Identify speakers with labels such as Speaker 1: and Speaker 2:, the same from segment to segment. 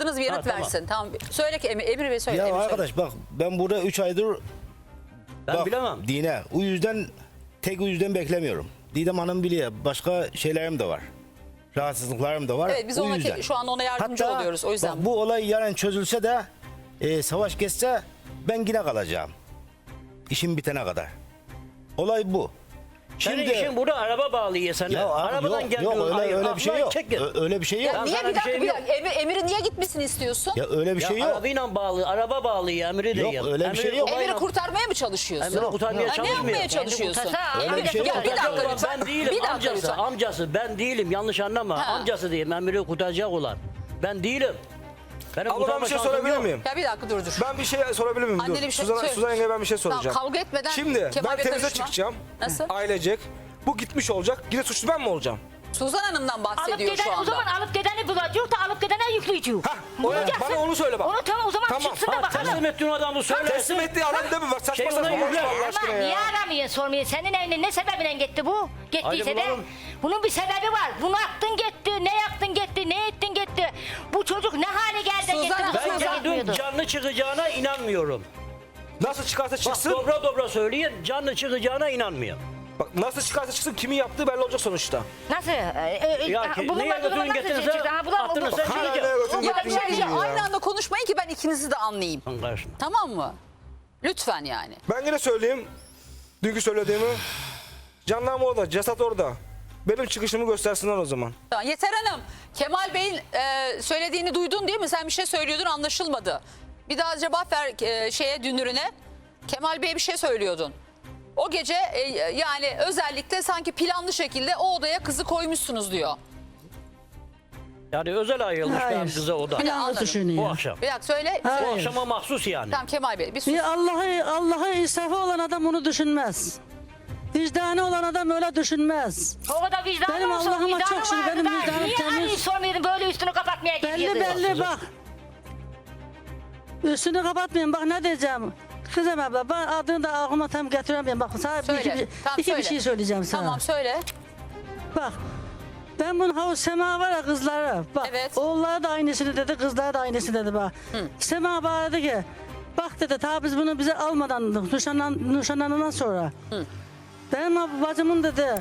Speaker 1: avukatınız bir yanıt
Speaker 2: tamam.
Speaker 1: versin. Tamam. Söyle ki Emir Bey söyle.
Speaker 3: Ya
Speaker 1: Emir söyle.
Speaker 3: arkadaş bak ben burada 3 aydır
Speaker 2: Ben bilemem.
Speaker 3: Dine. O yüzden tek o yüzden beklemiyorum. Didem Hanım biliyor. Başka şeylerim de var. Rahatsızlıklarım da var.
Speaker 1: Evet biz
Speaker 3: o
Speaker 1: ona
Speaker 3: yüzden.
Speaker 1: şu an ona yardımcı
Speaker 3: Hatta
Speaker 1: oluyoruz. O yüzden.
Speaker 3: bak, bu olay yarın çözülse de savaş geçse ben yine kalacağım. İşim bitene kadar. Olay bu.
Speaker 2: Senin işin burada araba bağlıyor sana.
Speaker 3: Ya abi,
Speaker 2: Arabadan
Speaker 3: yok,
Speaker 2: geliyorsun.
Speaker 3: yok öyle, öyle bir şey yok.
Speaker 2: Çek git.
Speaker 3: Öyle bir şey yok.
Speaker 1: Ya
Speaker 2: Ya
Speaker 1: niye
Speaker 2: sana
Speaker 1: bir
Speaker 2: bir
Speaker 1: dakika,
Speaker 2: şeyim
Speaker 1: bir
Speaker 2: yok.
Speaker 1: dakika. Emir'i niye gitmesini istiyorsun?
Speaker 3: Ya öyle bir
Speaker 2: Ya
Speaker 3: şey yok.
Speaker 2: arabayla bağlı, araba bağlıyor, Emri değil.
Speaker 3: Yok, öyle bir şey yok.
Speaker 1: Emir'i kurtarmaya mı çalışıyorsun?
Speaker 2: Emri kurtarmaya
Speaker 1: Ya ne
Speaker 2: çalışmıyor.
Speaker 1: yapmaya çalışıyorsun?
Speaker 3: Öyle bir şey yok.
Speaker 1: Ya bir dakika lütfen.
Speaker 2: Ben değilim,
Speaker 1: Bir dakika
Speaker 2: amcası,
Speaker 1: lütfen.
Speaker 2: amcası. Ben değilim, yanlış anlama.
Speaker 1: Ha.
Speaker 2: Amcası diyeyim, Emri'yi kurtaracak olan. Ben değilim. Benim
Speaker 4: Abla ben
Speaker 2: kurtarma
Speaker 4: bir şey
Speaker 2: şansım
Speaker 4: sorabilir
Speaker 2: yok.
Speaker 4: miyim?
Speaker 1: Ya bir dakika dur.
Speaker 4: Ben bir şey sorabilir miyim?
Speaker 1: Annene
Speaker 4: Dur.
Speaker 1: bir şey
Speaker 4: Suzan,
Speaker 1: söyle.
Speaker 4: Suzan yengeye ben bir şey soracağım.
Speaker 1: Tamam, kavga etmeden
Speaker 4: Şimdi
Speaker 1: Kemal
Speaker 4: ben
Speaker 1: Bey
Speaker 4: temize
Speaker 1: karışma.
Speaker 4: çıkacağım.
Speaker 1: Nasıl?
Speaker 4: Ailecek. Bu gitmiş olacak. Yine suçlu ben mi olacağım?
Speaker 1: Suzan Hanım'dan
Speaker 5: Alıp
Speaker 1: bahsediyor şu
Speaker 5: giden o
Speaker 1: anda.
Speaker 5: zaman alıp gideni bulacak da alıp gidene yükleyecek.
Speaker 4: Hah,
Speaker 5: Bulacaksın.
Speaker 4: bana onu söyle bak.
Speaker 5: Onu tamam o zaman
Speaker 4: Tamam.
Speaker 5: çıksın da
Speaker 2: Ha,
Speaker 5: bakalım.
Speaker 2: teslim ettiğin adamı söylersin.
Speaker 4: Teslim ettiği adam değil mi? Bak saçma
Speaker 2: Şey,
Speaker 4: saçma
Speaker 2: ona
Speaker 4: konuşma
Speaker 2: yükle.
Speaker 4: Allah aşkına
Speaker 5: Ama niye
Speaker 4: ya.
Speaker 5: aramıyorsun sormuyor? Senin evine ne sebebiyle gitti bu? Gittiyse
Speaker 2: Hadi
Speaker 5: de
Speaker 2: bulalım.
Speaker 5: bunun bir sebebi var. Bunu attın gitti, ne yaktın gitti, ne ettin gitti. Bu çocuk ne hale geldi
Speaker 1: Suzan
Speaker 5: gitti.
Speaker 1: Hanım,
Speaker 5: bu
Speaker 2: Ben
Speaker 5: çocuk
Speaker 2: gördüm
Speaker 5: gitmiyordu.
Speaker 2: canlı çıkacağına inanmıyorum.
Speaker 4: Nasıl çıkarsa
Speaker 2: Bak
Speaker 4: çıksın.
Speaker 2: dobra dobra söyleyin, canlı çıkacağına inanmıyorum.
Speaker 4: Bak nasıl çıkarsa çıksın kimin yaptığı belli olacak sonuçta.
Speaker 5: Nasıl?
Speaker 2: Ya neye götürün getirirse attınız sen
Speaker 4: Hala neye
Speaker 2: çıkacaksın.
Speaker 4: götürün
Speaker 1: Ya
Speaker 4: getirin
Speaker 1: bir şey
Speaker 4: ya.
Speaker 1: aynı anda konuşmayın ki ben ikinizi de anlayayım.
Speaker 2: Lan karışma.
Speaker 1: Tamam mı? Lütfen yani.
Speaker 4: Ben yine söyleyeyim. Dünkü söylediğimi. Jandarma orada, ceset orada. Benim çıkışımı göstersinler o zaman.
Speaker 1: Tamam, Yeter Hanım, Kemal Bey'in söylediğini duydun değil mi? Sen bir şey söylüyordun, anlaşılmadı. Bir daha cevap ver Dünür'üne. Kemal Bey'e bir şey söylüyordun. O gece yani özellikle sanki planlı şekilde o odaya kızı koymuşsunuz diyor.
Speaker 2: Yani özel ayrılmışlar
Speaker 6: Hayır.
Speaker 2: kıza o da.
Speaker 1: Bir
Speaker 6: Yanlış
Speaker 1: anladım.
Speaker 2: Bu
Speaker 6: düşünüyor.
Speaker 2: akşam.
Speaker 1: Bir dakika söyle.
Speaker 2: Bu
Speaker 6: Hayır.
Speaker 2: akşama mahsus yani.
Speaker 1: Tamam Kemal Bey bir sus.
Speaker 6: Bir Allah'a insafı olan adam onu düşünmez. Vicdanı olan adam öyle düşünmez.
Speaker 5: O kadar vicdanı
Speaker 6: Benim
Speaker 5: olsa
Speaker 6: Allah'ıma
Speaker 5: vicdanı
Speaker 6: çok şükür,
Speaker 5: vardı
Speaker 6: benim
Speaker 5: da
Speaker 6: vicdanım
Speaker 5: niye
Speaker 6: temiz.
Speaker 5: arayıp sormuyordun böyle üstünü kapatmaya gidiyordu?
Speaker 6: Belli bak. Üstünü kapatmayın bak ne diyeceğim. Kızım abla ben adını da aklıma tam getiremiyorum. Bak sana
Speaker 1: Söyle. Tamam,
Speaker 6: iki
Speaker 1: söyle.
Speaker 6: bir şey söyleyeceğim sana.
Speaker 1: Tamam söyle.
Speaker 6: Bak ben bunun havuz Sema var ya kızları. Bak
Speaker 1: Evet.
Speaker 6: oğulları da aynısını dedi kızları da aynısını dedi bak. Sema bana dedi ki bak dedi ta biz bunu bize almadan nişanlanından sonra. Benim bacımın dedi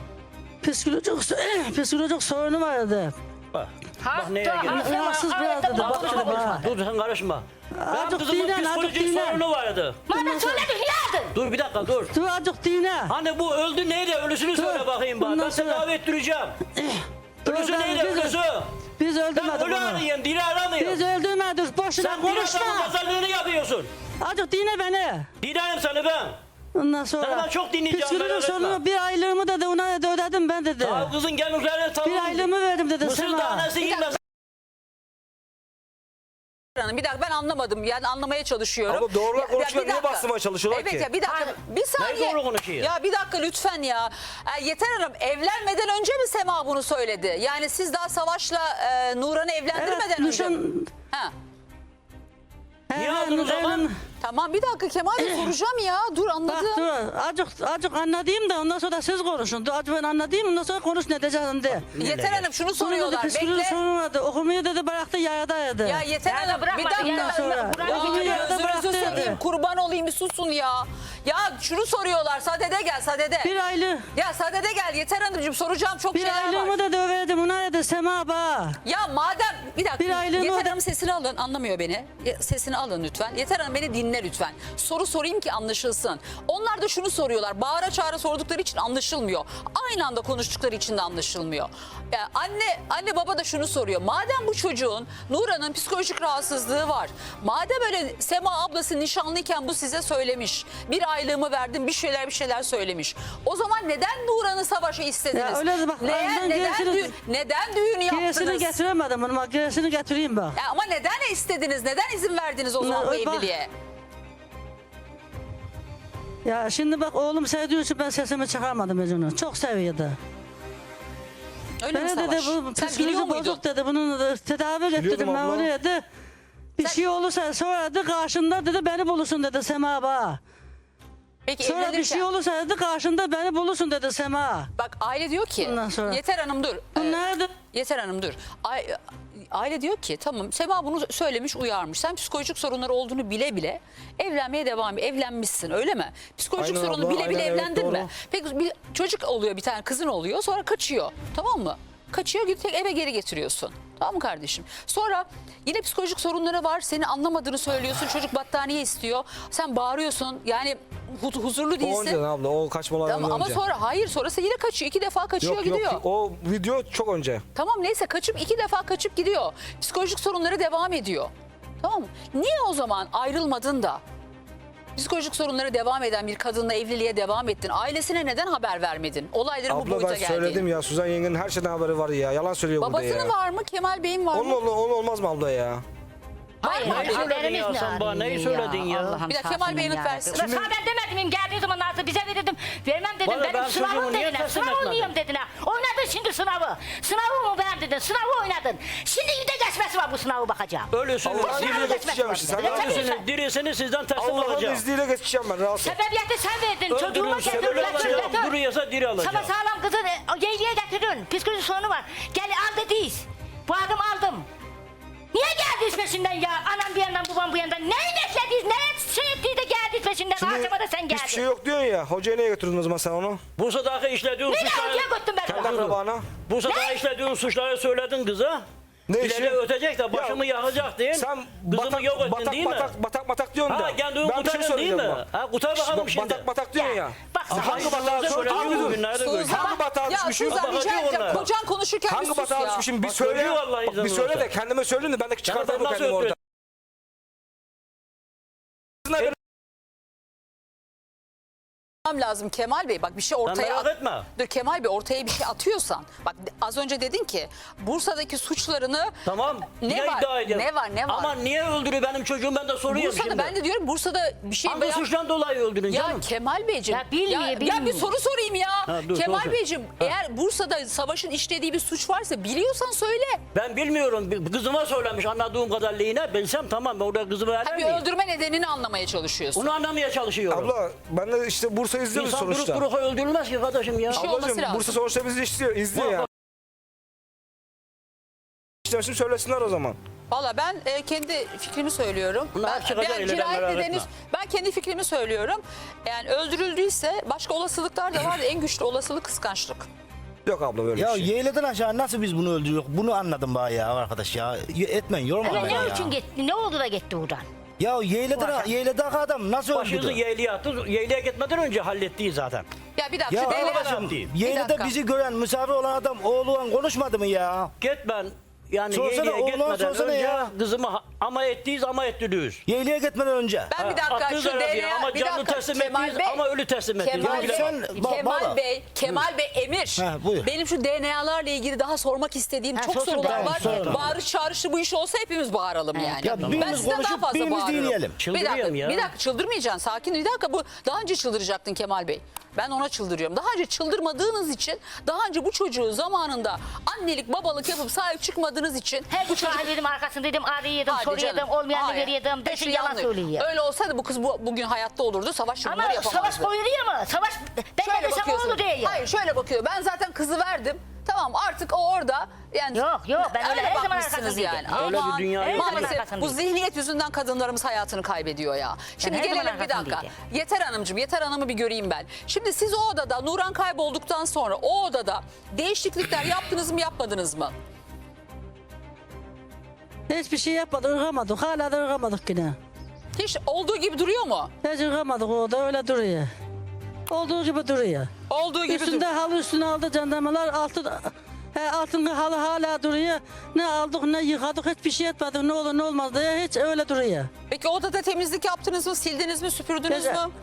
Speaker 6: psikolojik sorunu vardı.
Speaker 2: Bak, bak neye geliyor.
Speaker 6: Rahatsız biraz dedi bak dedi bak.
Speaker 2: Dur sen karışma. Benim
Speaker 6: Azıcık
Speaker 2: kızımın
Speaker 6: dinlen, azıcık
Speaker 2: psikolojik
Speaker 6: dinlen.
Speaker 2: sorunu vardı.
Speaker 5: Bana söyledin niye aldın?
Speaker 2: Dur bir dakika dur.
Speaker 6: Dur azıcık dinle.
Speaker 2: Hani bu öldü neydi? Ölüsünü söyle bakayım bana.
Speaker 6: Bundan
Speaker 2: Ben
Speaker 6: sonra-
Speaker 2: tedavi ettireceğim. Ölüsü
Speaker 6: ben-
Speaker 2: neydi
Speaker 6: biz-
Speaker 2: ölüsü?
Speaker 6: Biz
Speaker 2: Sen
Speaker 6: öldürmedik
Speaker 2: ölü
Speaker 6: onu.
Speaker 2: arayın, diri aramıyor.
Speaker 6: Biz öldürmedik boşuna
Speaker 2: Sen diri adamın
Speaker 6: konuşma.
Speaker 2: pazarlığını yapıyorsun.
Speaker 6: Azıcık dinle beni.
Speaker 2: Dinlerim seni ben.
Speaker 6: Ondan sonra.
Speaker 2: Sana ben çok dinleyeceğim,
Speaker 6: Psikolojik
Speaker 2: merak etme.
Speaker 6: sorunu bir aylığımı dedi ona da ödedim ben dedi.
Speaker 2: Ya kızın gel üzerine tavuk.
Speaker 6: Bir aylığımı verdim dedi
Speaker 2: Mısır
Speaker 6: Sema.
Speaker 2: tanesi girmez.
Speaker 1: Hanım, bir dakika ben anlamadım yani anlamaya çalışıyorum.
Speaker 4: Abla doğrular konuşuyor,
Speaker 1: bir
Speaker 4: niye
Speaker 1: dakika.
Speaker 4: bastırmaya çalışıyorlar
Speaker 1: evet,
Speaker 4: ki?
Speaker 1: ya bir dakika bir saniye.
Speaker 2: doğru konuşuyor?
Speaker 1: Ya bir dakika lütfen ya. Yeter Hanım evlenmeden önce mi Sema bunu söyledi? Yani siz daha Savaş'la Nuran'ı evlendirmeden önce mi? Ha.
Speaker 2: Niye aldın o zaman?
Speaker 1: Tamam bir dakika Kemal Bey soracağım ya. Dur
Speaker 6: Bak
Speaker 1: anladım.
Speaker 6: dur azıcık anladayım da ondan sonra siz konuşun. Dur azıcık ben anladayım ondan sonra konuş ne diyeceğim de.
Speaker 1: Yeter Hanım şunu
Speaker 6: Sonra
Speaker 1: soruyorlar.
Speaker 6: dedi psikolojik
Speaker 1: Bekle.
Speaker 6: sorunu vardı. Okumayı dedi bıraktı yayadaydı.
Speaker 1: Ya Yeter
Speaker 5: Ya da
Speaker 1: Hanım bir
Speaker 5: bırakmadı,
Speaker 1: dakika.
Speaker 5: ya.
Speaker 6: Sonra.
Speaker 5: Bırak-
Speaker 1: Aa,
Speaker 6: Okumayı da
Speaker 1: gözünüzü
Speaker 6: bıraktı
Speaker 1: seveyim
Speaker 6: dedi.
Speaker 1: kurban olayım bir susun ya. Ya şunu soruyorlar Sadede gel Sadede.
Speaker 6: Bir aylık.
Speaker 1: Ya Sadede gel Yeter Hanımcığım soracağım çok
Speaker 6: Bir
Speaker 1: şeyler var.
Speaker 6: aylığımı da döverdim ona dedi Sema ba.
Speaker 1: Ya madem bir dakika
Speaker 6: Bir aylığını
Speaker 1: Yeter
Speaker 6: öde-
Speaker 1: Hanım sesini alın anlamıyor beni. Sesini alın lütfen. Yeter Hanım beni dinle lütfen. Soru sorayım ki anlaşılsın. Onlar da şunu soruyorlar. Bağıra çağıra sordukları için anlaşılmıyor. Aynı anda konuştukları için de anlaşılmıyor. Ya anne baba da şunu soruyor. Madem bu çocuğun Nuran'ın psikolojik rahatsızlığı var. Madem öyle Sema ablası nişanlıyken bu size söylemiş. Bir aylığımı verdim bir şeyler söylemiş. O zaman neden Nuran'ı Savaş'a istediniz?
Speaker 6: Ya öyle de bak, ağzından gerisini-
Speaker 1: neden düğün
Speaker 6: Gerisini
Speaker 1: yaptınız?
Speaker 6: getiremedim onu bak gerisini getireyim bak.
Speaker 1: Ya ama neden istediniz? Neden izin verdiniz o zaman bu
Speaker 6: Bak-
Speaker 1: evliliğe?
Speaker 6: Ya şimdi bak oğlum sevdiği için ben sesimi çıkarmadım Mecnun'u. Çok seviyordu.
Speaker 1: Öyle mi
Speaker 6: Bana
Speaker 1: Savaş?
Speaker 6: dedi bu
Speaker 1: Sen biliyor
Speaker 6: psikoloji
Speaker 1: muydun?
Speaker 6: bozuk dedi. Bunun da tedavi ettirdim ben
Speaker 4: abla.
Speaker 6: onu dedi. Bir şey olursa sonra dedi karşında dedi beni bulursun dedi Sema ba.
Speaker 1: Peki
Speaker 6: Sonra bir şey
Speaker 1: evlenirken
Speaker 6: olursa dedi karşında beni bulursun dedi Sema.
Speaker 1: bak aile diyor ki
Speaker 6: Ondan sonra.
Speaker 1: Yeter Hanım dur.
Speaker 6: Bu nerede?
Speaker 1: Yeter Hanım dur. aile diyor ki tamam Sema bunu söylemiş uyarmış. Sen psikolojik sorunları olduğunu bile bile evlenmeye devam et. Evlenmişsin öyle mi? Psikolojik
Speaker 4: Aynen
Speaker 1: sorunu
Speaker 4: abla,
Speaker 1: bile bile
Speaker 4: aynen, evet,
Speaker 1: evlendin mi?
Speaker 4: doğru.
Speaker 1: Peki bir çocuk oluyor, bir tane kızın oluyor, sonra kaçıyor, tamam mı? Kaçıyor, tek eve geri getiriyorsun. Tamam mı kardeşim? Sonra yine psikolojik sorunları var. Seni anlamadığını söylüyorsun. Çocuk battaniye istiyor. Sen bağırıyorsun. Yani huzurlu
Speaker 4: O
Speaker 1: değilsin.
Speaker 4: önceden abla, o kaçmalardan
Speaker 1: Tamam, ama
Speaker 4: önce.
Speaker 1: sonra hayır, sonrası yine kaçıyor. 2 defa kaçıyor,
Speaker 4: Yok
Speaker 1: gidiyor.
Speaker 4: yok, o video çok önce.
Speaker 1: Tamam neyse, kaçıp 2 defa kaçıp gidiyor. Psikolojik sorunları devam ediyor. Tamam mı? Niye o zaman ayrılmadın da psikolojik sorunları devam eden bir kadınla evliliğe devam ettin? Ailesine neden haber vermedin? Olayların bu
Speaker 4: Abla
Speaker 1: boyuta
Speaker 4: ben
Speaker 1: geldi.
Speaker 4: söyledim ya, Suzan yengenin her şeyden haberi var ya. Yalan söylüyor burada ya.
Speaker 1: Babasının var mı? Kemal Bey'in var mı?
Speaker 4: Onun olmaz mı abla ya?
Speaker 5: Hayır,
Speaker 2: Neyi söyledin
Speaker 5: haberimiz
Speaker 2: ya
Speaker 5: ne
Speaker 2: sen bana? Neyi
Speaker 5: arıyor
Speaker 2: söyledin ya?
Speaker 5: Allah'ım
Speaker 1: Bir dakika,
Speaker 5: sağ
Speaker 1: Kemal Bey
Speaker 5: olsun
Speaker 1: yanıt
Speaker 5: ya.
Speaker 1: versin.
Speaker 5: Ulan sana ben demedim miyim? Geldiği zaman Nazlı bize verirdim. Vermem dedim.
Speaker 2: Bana ben
Speaker 5: Benim
Speaker 2: çocuğumu
Speaker 5: sınavım
Speaker 2: niye
Speaker 5: dediler.
Speaker 2: teslim
Speaker 5: Sınav
Speaker 2: etmedin?
Speaker 5: oynayayım dediler. Oynadın şimdi sınavı. Sınavı mı beğendin? Sınavı oynadın. Şimdi bir de geçmesi var bu sınavı bakacağım.
Speaker 2: Ölüsün.
Speaker 4: Allah'ın
Speaker 5: Sınavı
Speaker 4: izniyle
Speaker 5: geçmesi
Speaker 4: geçeceğim
Speaker 5: var.
Speaker 4: işte. Sen
Speaker 5: Ne
Speaker 4: rahat
Speaker 5: tabii
Speaker 4: mısın?
Speaker 5: sen-
Speaker 2: Dirisini sizden teslim
Speaker 4: Allah'ın
Speaker 2: alacağım.
Speaker 4: izniyle geçeceğim ben, rahatsız.
Speaker 5: Sebebiyeti sen verdin. Çocuğuma
Speaker 2: Öldürürse
Speaker 5: getir.
Speaker 2: öyle
Speaker 5: Getir.
Speaker 2: alacağım.
Speaker 5: Getir.
Speaker 2: Duruyorsa diri
Speaker 5: Sana
Speaker 2: alacağım.
Speaker 5: sağlam kızı yeğliye getirdin. Psikolojik sorunu var. Gel al dediyiz. Bu adımı aldım. Niye geldiniz peşinden ya? Anam bir yandan babam bu yandan. Neyi beklediyiz? Ne şey ettiği de geldiniz peşinden. Akşama da sen geldin.
Speaker 4: Hiçbir şey yok diyorsun ya. Hocaya niye götürdün o zaman sen onu?
Speaker 2: Bursa'daki işlediğin
Speaker 5: Nereye
Speaker 2: suçları...
Speaker 5: hocaya götürdün ben
Speaker 4: Kendi
Speaker 5: onu?
Speaker 4: akrabana.
Speaker 2: Bursa'da işlediğin suçları söyledin kıza.
Speaker 4: Ne
Speaker 2: İleri
Speaker 4: işi?
Speaker 2: ötecek de başımı yakacak değil.
Speaker 4: Sen
Speaker 2: Kızımı yok ettin değil mi?
Speaker 4: batak diyorsun da.
Speaker 2: Ha kendini
Speaker 4: Ben bir şey
Speaker 2: kurtarın değil mi?
Speaker 4: söyleyeceğim bak.
Speaker 2: Ha kurtar bakalım
Speaker 4: Bak,
Speaker 2: şimdi.
Speaker 4: batak diyorsun ya.
Speaker 5: Bak
Speaker 4: Sen
Speaker 5: sen
Speaker 4: hangi batağa
Speaker 2: Söylediğin
Speaker 4: düşmüşsün?
Speaker 2: bugünlerde gördüm.
Speaker 4: Hangi batağa düşmüşüm?
Speaker 1: Suzan rica
Speaker 2: Bakacağım
Speaker 1: edeceğim.
Speaker 2: onlara.
Speaker 1: Kocan konuşurken bir
Speaker 4: Hangi
Speaker 1: sus
Speaker 4: batağa
Speaker 1: ya.
Speaker 4: düşmüşüm? Bir
Speaker 2: Bak,
Speaker 4: söyle.
Speaker 2: görüyor vallahi
Speaker 4: Bak, bir
Speaker 2: izin
Speaker 4: söyle de
Speaker 2: olursa.
Speaker 4: kendime söyleyeyim de ben de çıkartırım
Speaker 2: nasıl
Speaker 4: kendimi orada.
Speaker 1: Lazım Kemal Bey, bak bir şey ortaya
Speaker 2: merak etme.
Speaker 1: Dur Kemal Bey, ortaya bir şey atıyorsan, bak az önce dedin ki Bursa'daki suçlarını
Speaker 2: Tamam.
Speaker 1: Ne
Speaker 2: niye
Speaker 1: var?
Speaker 2: iddia ediyorsun?
Speaker 1: Ne var, ne var?
Speaker 2: Ama niye öldürüyor benim çocuğum, ben de soruyorum
Speaker 1: Bursa'da,
Speaker 2: şimdi.
Speaker 1: ben de diyorum Bursa'da bir şey
Speaker 2: Hangi suçtan dolayı öldürün
Speaker 1: Ya
Speaker 2: canım?
Speaker 1: Kemal Beyciğim,
Speaker 5: Ya bilmiyor,
Speaker 1: ya bir
Speaker 5: bilmiyor.
Speaker 1: soru sorayım ya.
Speaker 2: Ha, dur,
Speaker 1: Kemal
Speaker 2: sor.
Speaker 1: Beyciğim, eğer Bursa'da Savaş'ın işlediği bir suç varsa biliyorsan söyle.
Speaker 2: Ben bilmiyorum. Kızıma söylemiş anladığım kadarıyla. Bilsem tamam, ben orada kızımı
Speaker 1: Ha,
Speaker 2: verir
Speaker 1: bir
Speaker 2: miyim?
Speaker 1: öldürme nedenini anlamaya çalışıyorsun.
Speaker 2: Onu anlamaya çalışıyorum.
Speaker 4: Abla ben de işte Bursa izliyoruz
Speaker 2: İnsan
Speaker 4: sonuçta.
Speaker 2: durup durup öldürülmez ki kardeşim ya.
Speaker 1: Bir şey olması
Speaker 4: Ablacığım
Speaker 1: lazım.
Speaker 4: Bursa sonuçta bizi izliyor ya. İşte şimdi söylesinler o zaman.
Speaker 1: Valla ben kendi fikrimi söylüyorum.
Speaker 2: Bunlar çıkacak ileriden,
Speaker 1: cinayet
Speaker 2: merak
Speaker 1: nedeni,
Speaker 2: etme.
Speaker 1: ben kendi fikrimi söylüyorum. Yani öldürüldüyse başka olasılıklar da var. En güçlü olasılık kıskançlık.
Speaker 4: Yok abla böyle
Speaker 3: Ya
Speaker 4: bir şey.
Speaker 3: yeğleden aşağı nasıl biz bunu öldürüyoruz? Bunu anladım bana ya arkadaş ya. Etmeyin yorma
Speaker 5: Ama
Speaker 3: beni
Speaker 5: ne
Speaker 3: ya.
Speaker 5: için gitti? Ne oldu da gitti buradan?
Speaker 3: Ya yeğleden adam nasıl
Speaker 2: Başınızı
Speaker 3: öldürdü?
Speaker 2: yeğliye attı. Yeğliye gitmeden önce hallettiği zaten.
Speaker 1: Ya bir dakika.
Speaker 3: Ya
Speaker 1: şu DNA
Speaker 3: arkadaşım
Speaker 2: diyeyim.
Speaker 1: Bir
Speaker 3: yeğlede
Speaker 1: dakika.
Speaker 3: bizi gören misafir olan adam oğluğun konuşmadı mı ya?
Speaker 2: Git ben yani
Speaker 3: Sorsana,
Speaker 2: yeğliye
Speaker 3: oğlan
Speaker 2: gitmeden
Speaker 3: sorsana
Speaker 2: önce
Speaker 3: ya.
Speaker 2: kızımı ama ettiyiz ama ettiriyoruz.
Speaker 3: Yeğliye gitmeden önce.
Speaker 1: Ben bir dakika
Speaker 2: Attınız
Speaker 1: şu
Speaker 2: arabaya
Speaker 1: DNA
Speaker 2: ama
Speaker 1: bir
Speaker 2: canlı
Speaker 1: dakika
Speaker 2: teslim
Speaker 1: Kemal
Speaker 2: ettiniz
Speaker 1: Bey,
Speaker 2: ama ölü teslim ettiniz.
Speaker 1: Kemal
Speaker 2: Onu
Speaker 1: Bey,
Speaker 2: bilemem.
Speaker 1: Kemal Bey Emir.
Speaker 3: Ha, buyur.
Speaker 1: Benim şu DNA'larla ilgili daha sormak istediğim
Speaker 5: Ha,
Speaker 1: çok
Speaker 5: sorsun,
Speaker 1: sorular
Speaker 5: tamam,
Speaker 1: var.
Speaker 3: sorun.
Speaker 1: Bağırış çağrışlı bu iş olsa hepimiz bağıralım yani.
Speaker 3: Ya
Speaker 1: ben
Speaker 3: birimiz
Speaker 1: sizden daha
Speaker 3: konuşup
Speaker 1: fazla
Speaker 3: birimiz
Speaker 1: bağırırım.
Speaker 3: dinleyelim.
Speaker 1: Bir dakika,
Speaker 2: Çıldırıyorum ya.
Speaker 1: bir dakika çıldırmayacaksın, sakin. Bir dakika, bu daha önce çıldıracaktın Kemal Bey. Ben ona çıldırıyorum. Daha önce çıldırmadığınız için, daha önce bu çocuğu zamanında annelik babalık yapıp sahip çıkmadığınız için
Speaker 5: Her
Speaker 1: bu
Speaker 5: gün
Speaker 1: çocuk...
Speaker 5: sahibiydim arkasındaydım, arıyordum,
Speaker 1: Hadi
Speaker 5: soruyordum,
Speaker 1: canım.
Speaker 5: olmayanı
Speaker 1: Hayır.
Speaker 5: veriyordum.
Speaker 1: Hepsi
Speaker 5: Desin yalan
Speaker 1: yanlış.
Speaker 5: söylüyor.
Speaker 1: Öyle olsaydı bu kız bugün hayatta olurdu. Savaş bunları
Speaker 5: Ama
Speaker 1: yapamazdı.
Speaker 5: savaş koyuluyor mu? Savaş ben
Speaker 1: Şöyle
Speaker 5: de desem
Speaker 1: bakıyorsun.
Speaker 5: oldu değil.
Speaker 1: Hayır, şöyle bakıyor. Ben zaten kızı verdim. Tamam, artık o orada. Yani
Speaker 5: Yok, ben öyle her zaman
Speaker 1: bakmışsınız
Speaker 5: arkasındaydım.
Speaker 1: yani.
Speaker 2: Öyle bir
Speaker 1: Aman,
Speaker 2: dünya yok.
Speaker 5: Her zaman
Speaker 1: maalesef bu
Speaker 5: arkasındaydım.
Speaker 1: zihniyet yüzünden kadınlarımız hayatını kaybediyor ya. Şimdi
Speaker 5: her zaman
Speaker 1: gelelim bir dakika.
Speaker 5: arkasındaydım.
Speaker 1: Yeter Hanımcığım, Yeter Hanım'ı bir göreyim ben. Şimdi siz o odada, Nuran kaybolduktan sonra o odada değişiklikler yaptınız mı, yapmadınız mı?
Speaker 6: Hiçbir şey yapmadık, ırgamadık. Hala da ırgamadık yine.
Speaker 1: Hiç olduğu gibi duruyor mu?
Speaker 6: Hiç ırgamadık, o da öyle duruyor. Olduğu gibi duruyor.
Speaker 1: Olduğu gibi
Speaker 6: Üstünde
Speaker 1: duruyor.
Speaker 6: halı üstüne aldı jandarmalar, altın halı hala duruyor. Ne aldık ne yıkadık, hiçbir şey etmedik. Ne olur ne olmaz diye hiç öyle duruyor.
Speaker 1: Peki odada temizlik yaptınız mı, sildiniz mi, süpürdünüz
Speaker 6: Evet.
Speaker 1: mü?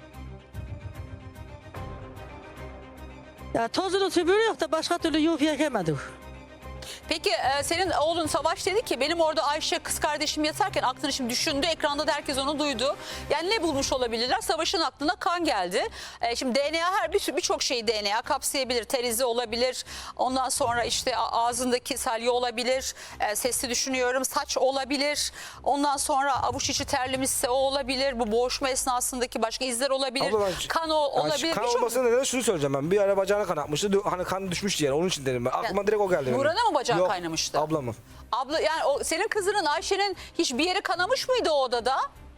Speaker 6: Ya tozunu süpürü yok da başka türlü yuf yekemedik.
Speaker 1: Peki senin oğlun Savaş dedi ki benim orada Ayşe kız kardeşim yatarken aklını şimdi düşündü. Ekranda da herkes onu duydu. Yani ne bulmuş olabilirler? Savaş'ın aklına kan geldi. Şimdi DNA birçok şeyi DNA kapsayabilir. Ter izi olabilir. Ondan sonra işte ağzındaki salya olabilir. Sesli düşünüyorum. Saç olabilir. Ondan sonra avuç içi terlemişse o olabilir. Bu boğuşma esnasındaki başka izler olabilir.
Speaker 4: Abla
Speaker 1: Kan olabilir.
Speaker 4: Kan
Speaker 1: Birçok-
Speaker 4: olmasının nedeni şunu söyleyeceğim ben. Bir ara bacağına kan atmıştı. Hani kan düşmüştü yere. Onun için dedim ben. Aklıma direkt o geldi benim.
Speaker 1: Nurhan'a mı bacağına aşağı
Speaker 4: Yok,
Speaker 1: kaynamıştı?
Speaker 4: ablamın.
Speaker 1: Abla yani o senin kızının Ayşe'nin hiç bir yeri kanamış mıydı o odada?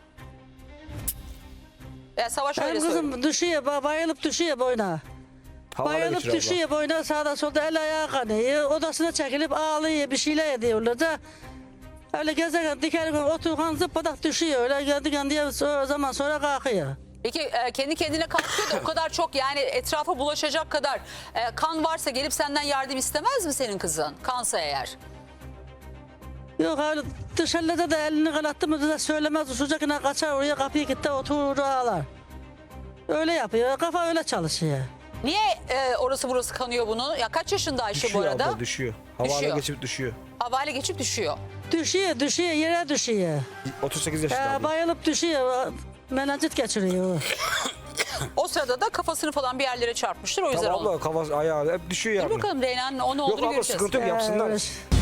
Speaker 1: Savaş öyle
Speaker 6: Benim
Speaker 1: söylüyor.
Speaker 6: kızım düşüyor, bayılıp düşüyor boyuna.
Speaker 4: Havale
Speaker 6: Bayılıp
Speaker 4: geçiriyor abla.
Speaker 6: düşüyor boyuna, sağda solda el ayağı kanıyor. Odasına çekilip ağlıyor, bir şeyler ediyorlar da. Öyle gezerken dikerken otururken zıppadak düşüyor. Öyle kendi kendine o zaman sonra kalkıyor.
Speaker 1: Peki kendi kendine kalkıyor da o kadar çok yani etrafa bulaşacak kadar kan varsa gelip senden yardım istemez mi senin kızın? Kansa eğer.
Speaker 6: Yok öyle dışarıda da elini kanattı mı da söylemez. Usulcakına kaçar oraya kapıyı gitti oturur ağlar. Öyle yapıyor. Kafa öyle çalışıyor.
Speaker 1: Niye orası burası kanıyor bunu? Ya kaç yaşında Ayşe
Speaker 4: Düşüyor
Speaker 1: bu arada?
Speaker 4: abla, düşüyor. Havale
Speaker 1: Düşüyor.
Speaker 4: geçip düşüyor.
Speaker 1: Havale geçip düşüyor.
Speaker 6: Düşüyor yere düşüyor.
Speaker 4: 38 yaşında abla.
Speaker 6: Bayılıp düşüyor. Menenjit geçiriyor.
Speaker 1: O sırada da kafasını falan bir yerlere çarpmıştır o yüzden
Speaker 4: Tamam
Speaker 1: onu.
Speaker 4: abla kafası ayağı hep düşüyor
Speaker 1: Dur
Speaker 4: yani.
Speaker 1: bakalım Reyna'nın o ne
Speaker 4: Yok
Speaker 1: olduğunu
Speaker 4: abla
Speaker 1: göreceğiz.
Speaker 4: sıkıntı yok yapsınlar.
Speaker 6: Öyle.